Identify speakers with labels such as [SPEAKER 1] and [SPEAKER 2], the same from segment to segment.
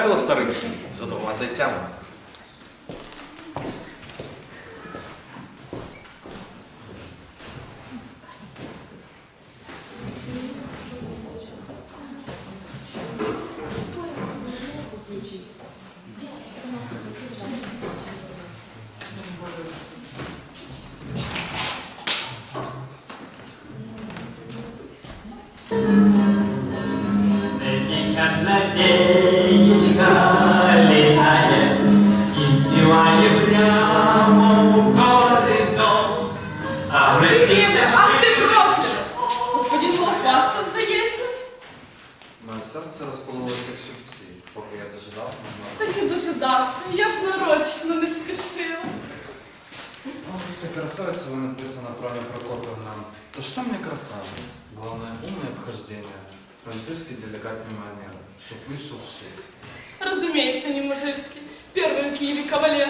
[SPEAKER 1] Михайло Старицький за двома зайцями.
[SPEAKER 2] Надеечка летает и спевает прямо в горизонт. А
[SPEAKER 3] Ах ти проклята! Господин Голохвастов, здається?
[SPEAKER 4] Моє серце розпалилося як щипці, поки я дожидав мого.
[SPEAKER 3] Так і дожидався, я ж нарочно не спішила.
[SPEAKER 4] Ты красавица, вы написано про Аню Прокопьевну. Да что мне красавица? Главное, умное обхождение, французский деликатный манер, чтоб вышел шик.
[SPEAKER 3] Разумеется, не мужицький. Первый в Киеве кавалер.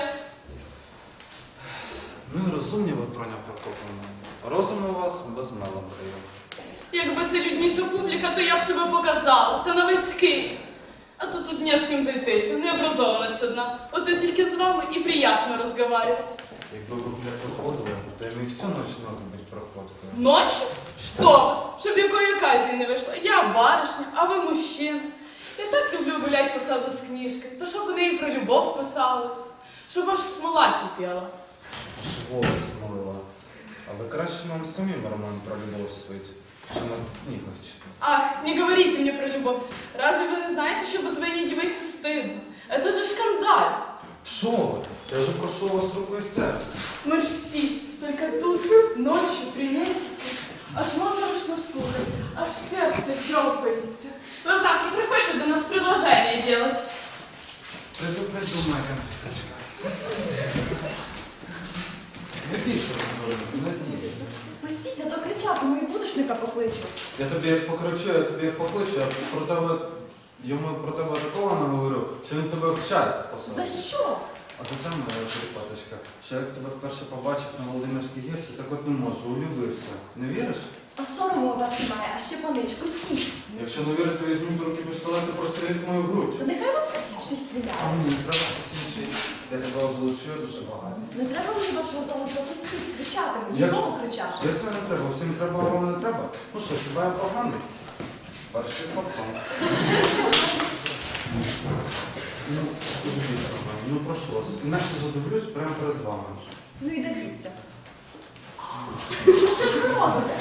[SPEAKER 4] Ну і розумні ви, Проня Прокопівна. Розум у вас без меланхолії.
[SPEAKER 3] Якби це людніша публіка, то я б себе показала, та на весь Київ. А то тут не з ким зайтися, необразованість одна. От і тільки з вами і приємно розговаривати.
[SPEAKER 4] Якби ви бля проходили, то їм і всю ніч надо бути проходкою.
[SPEAKER 3] Ночью? Что? Щоб якої оказії не вийшла. Я барышня, а ви мужчина. Я так люблю гулять по саду з книжкою, то щоб у неї про любов писалось, щоб аж смола кипіла.
[SPEAKER 4] Аж волос смолила. А ви краще нам самим роман про любов свить, що на книгах читати.
[SPEAKER 3] Ах, не говорите мне про любовь. Разве вы не знаете, что позвонить девице стыдно? Это же шкандаль.
[SPEAKER 4] Що ви? Я же прошу вас рукою серця.
[SPEAKER 3] Мы ж все, только тут, ночью, при месяце. Аж моторошно слухать, аж сердце тёпается. Вы завтра приходите до нас предложение делать.
[SPEAKER 4] Приду, моя конфеточка. Верніше розговоримо, не з'їдь.
[SPEAKER 5] Пустіть, а то кричатиму і будушника покличу.
[SPEAKER 4] Я тобі як покричу, я тобі як покличу, я про тебе, йому про тебе такого наговорю, що він тебе вчать посадить.
[SPEAKER 5] За що?
[SPEAKER 4] А за те, моя черепаточка, що як тебе вперше побачив на Володимирській гірці, так от не можу, улюбився. Не віриш?
[SPEAKER 5] А сорому у вас немає, а ще паничку стій.
[SPEAKER 4] Якщо не вірите, візьміть до руки пістолет і простріліть мою грудь.
[SPEAKER 5] Та нехай вас тисячний
[SPEAKER 4] А
[SPEAKER 5] стріляє.
[SPEAKER 4] мені не треба посвідчити. Я тебе озвучую дуже багато.
[SPEAKER 5] Не треба мені вашого золота, пустіть, кричатиму,
[SPEAKER 4] Як?
[SPEAKER 5] нікого кричати.
[SPEAKER 4] Як це не треба? Всім треба, а вам не треба? Ну що, хіба я поганий? Перший пасан.
[SPEAKER 5] За що?
[SPEAKER 4] Ну, подивіться, ну прошу вас, інакше задивлюсь прямо перед вами.
[SPEAKER 5] Ну і дивіться. Що ж ви робите?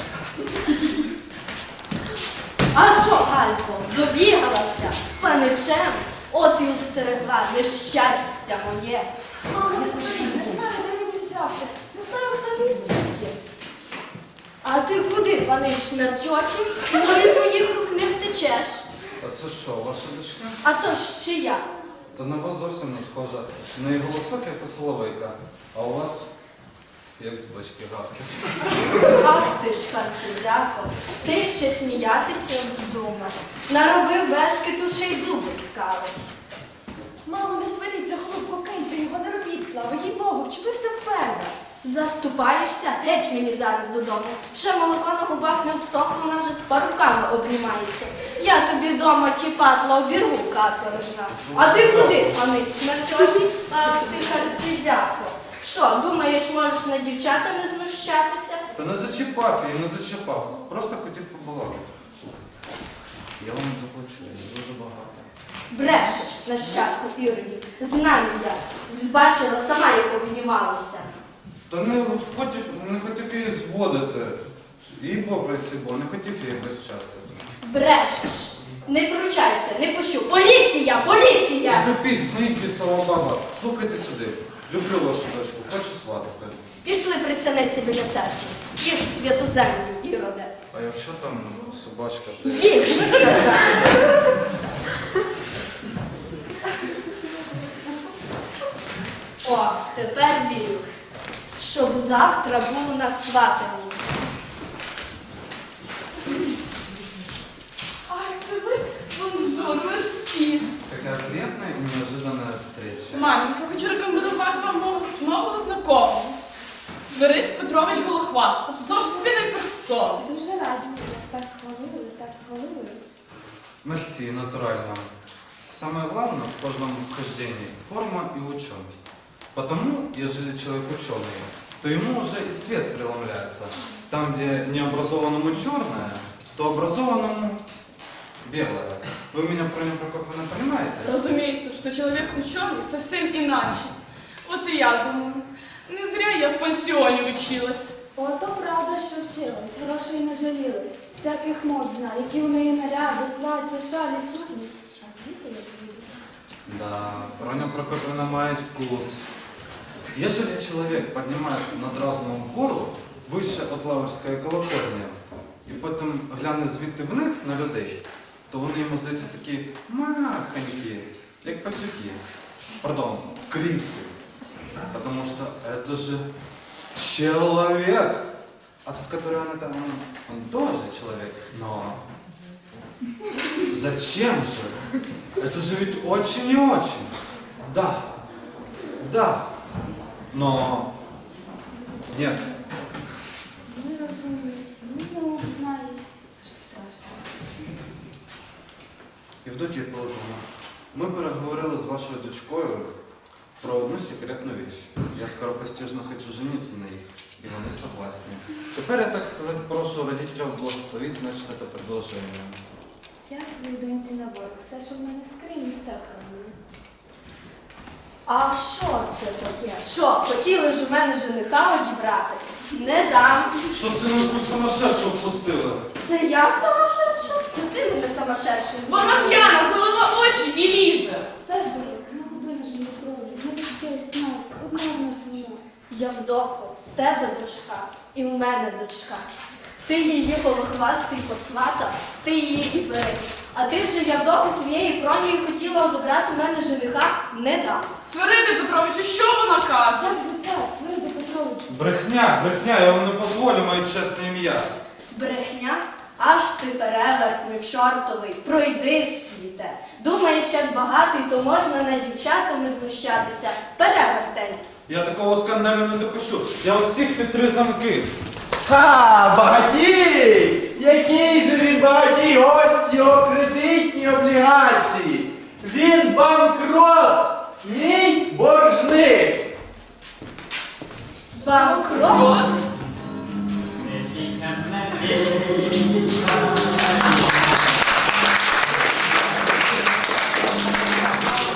[SPEAKER 5] А що, Галько, добігалася з паничем? От і устерегла нещастя моє. Мамо, не скажіть, не знаю, де мені взявся. Не знаю, хто мій звідки. А ти куди, панич Нарчоті? Від моїх рук не втечеш.
[SPEAKER 4] А це що, ваша дочка?
[SPEAKER 5] А то ж чия?
[SPEAKER 4] Та на вас зовсім не схожа. В неї голосок, як у соловейка, а у вас як з бочки гавкіс.
[SPEAKER 5] Ах ти ж, харцизяко, ти ще сміятися вздумав. Наробив вешкиту, ще й зуби скалив. Мамо, не сваріться, голубко, киньте його, не робіть слави, їй Богу, вчепився вперед. Заступаєшся? Геть мені зараз додому. Ще молоко на губах не обсохло, вона вже з паруками обнімається. Я тобі вдома ті патла обірву каторжна. А ти куди, панич, на чорні? Ах ти, харцизяко. Що, думаєш, можеш на дівчата не знущатися?
[SPEAKER 4] Та не зачіпав я, не зачіпав. Просто хотів побалакати. Слухайте, я вам заплачу, я дуже багато.
[SPEAKER 5] Брешеш, нащадку Іродів. Знаю я. Бачила сама, як обнімалися.
[SPEAKER 4] Та не хотів її зводити. І попросив, бо не хотів її безчастити.
[SPEAKER 5] Брешеш. Не кручайся, не пущу. Поліція! Поліція!
[SPEAKER 4] Тупіть, сміть, бісова баба. Слухайте сюди. Люблю вашу дочку, хочу сватати.
[SPEAKER 5] Пішли присянися біля церкви. Їж святу землю, Іроде.
[SPEAKER 4] А якщо там собачка?
[SPEAKER 5] Їж, сказав. О, тепер вірю. Щоб завтра був на сватанні.
[SPEAKER 3] Ах, це ви, бонжур, мерсі.
[SPEAKER 4] Какая приятная и неожиданная встреча.
[SPEAKER 3] Маменька, хочу рекомендувати вам нового знакомого. Свирид Петрович Голохвастов, собственної персони.
[SPEAKER 6] Дуже раді, ви нас так хвалили, так хвалили.
[SPEAKER 4] Мерсі, натурально. Самое главное в каждом хождении – форма и ученость. Потому, ежели человек ученый, то ему уже и свет преломляется. Там, где необразованному черное, то образованному белое. Вы меня, Проня Прокофьевна, понимаете?
[SPEAKER 3] Разумеется, что человек ученый совсем иначе. Вот и я думаю, не зря я в пансионе училась.
[SPEAKER 5] Ото правда, що вчилась, грошей не жаліли. Всяких мод знає, які у неї наряди, плаття, шалі, сукні. А діти як любять.
[SPEAKER 4] Да, Проня Прокофьевна мает вкус. Ежели человек поднимается над разумом вгору, выше от Лаврської колокольні, і потім гляне звідти вниз на людей, то вони йому здаються такі махонькі, як пасюки. Пардон, криси. Потому что это же человек. А тот, который она там, он тоже человек. Но зачем же? Это же ведь очень и очень. Да, да, но нет.
[SPEAKER 5] Не розумію, не знаю. Аж страшно.
[SPEAKER 4] Євдокія Пилиповна, ми переговорили з вашою дочкою про одну секретну вещь. Я скоропостижно хочу жениться на них, и вони согласны. Тепер я, так сказать, прошу родителей благословить, значит, это предложение.
[SPEAKER 5] Я своїй доньці на борг. Все, що в мене в скрині, все хранила. А що це таке? Що, хотіли ж у мене жениха одібрати? Не дам.
[SPEAKER 4] Що це ви якусь сумасшедшу впустили?
[SPEAKER 5] Це я самошедша? Це ти мене самошедшою
[SPEAKER 3] Вона п'яна, залила очі і лізе.
[SPEAKER 5] Сестрик, не губи на живі крові, не безчесть нас, одна в нас вона. Явдохо, в тебе дочка і в мене дочка. Ти її голохвастий посватав, ти її і бери. А ти вже Явдоху своєю Пронею хотіла одобрати у мене жениха? Не дам.
[SPEAKER 3] Свириде Петровичу, що вона каже?
[SPEAKER 5] Як же це, Свириде Петровичу?
[SPEAKER 4] Брехня, брехня, я вам не дозволю моє чесне ім'я.
[SPEAKER 5] Брехня? Аж ти перевертний чортовий, пройди світе. Думаєш, як багатий, то можна над дівчатами знущатися. Перевертень.
[SPEAKER 4] Я такого скандалю не допущу. Я ось всіх під 3 замки.
[SPEAKER 6] Ха, багатій! Який же він багатій? Ось його кредитні облігації. Він банкрот, мій боржник.
[SPEAKER 5] Банкрот?
[SPEAKER 2] Не тільки